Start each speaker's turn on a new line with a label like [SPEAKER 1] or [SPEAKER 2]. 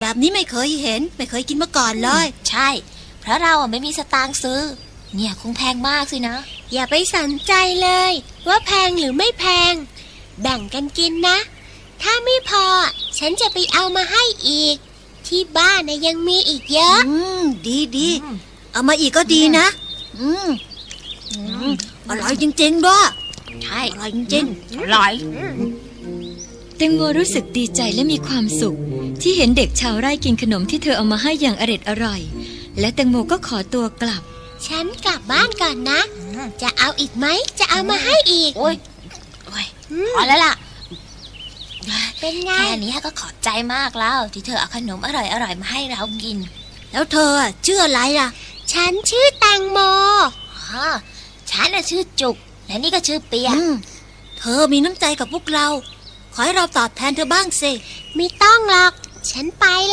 [SPEAKER 1] แบบนี้ไม่เคยเห็นไม่เคยกินมาก่อนเลย
[SPEAKER 2] ใช่เพราะเราไม่มีสตางค์ซื้อเนี่ยคงแพงมากสินะ
[SPEAKER 3] อย่าไปสนใจเลยว่าแพงหรือไม่แพงแบ่งกันกินนะถ้าไม่พอฉันจะไปเอามาให้อีกที่บ้านยังมีอีกเยอะ
[SPEAKER 1] ดีเอามาอีกก็ดีนะอร่อยจริงๆด้วย
[SPEAKER 2] ใช่
[SPEAKER 1] อร่อยจริง
[SPEAKER 2] อร่อย
[SPEAKER 4] แตงโมรู้สึกดีใจและมีความสุขที่เห็นเด็กชาวไร่กินขนมที่เธอเอามาให้อย่างอร่อยและแตงโมก็ขอตัวกลับ
[SPEAKER 3] ฉันกลับบ้านก่อนนะจะเอาอีกไหมจะเอามาให้อีก
[SPEAKER 2] โอ้ยพอแล้วล่ะ
[SPEAKER 3] เป็นไง
[SPEAKER 2] แค่นี้ก็ขอบใจมากแล้วที่เธอเอาขนมอร่อยมาให้เรากิน
[SPEAKER 1] แล้วเธอชื่ออะไรล่ะ
[SPEAKER 3] ฉันชื่อแตงโม
[SPEAKER 2] ฉันชื่อจุกและนี่ก็ชื่อเปีย
[SPEAKER 1] เธอมีน้ำใจกับพวกเราขอให้เราตอบแทนเธอบ้างสิ
[SPEAKER 3] ไม่ต้องหรอกฉันไป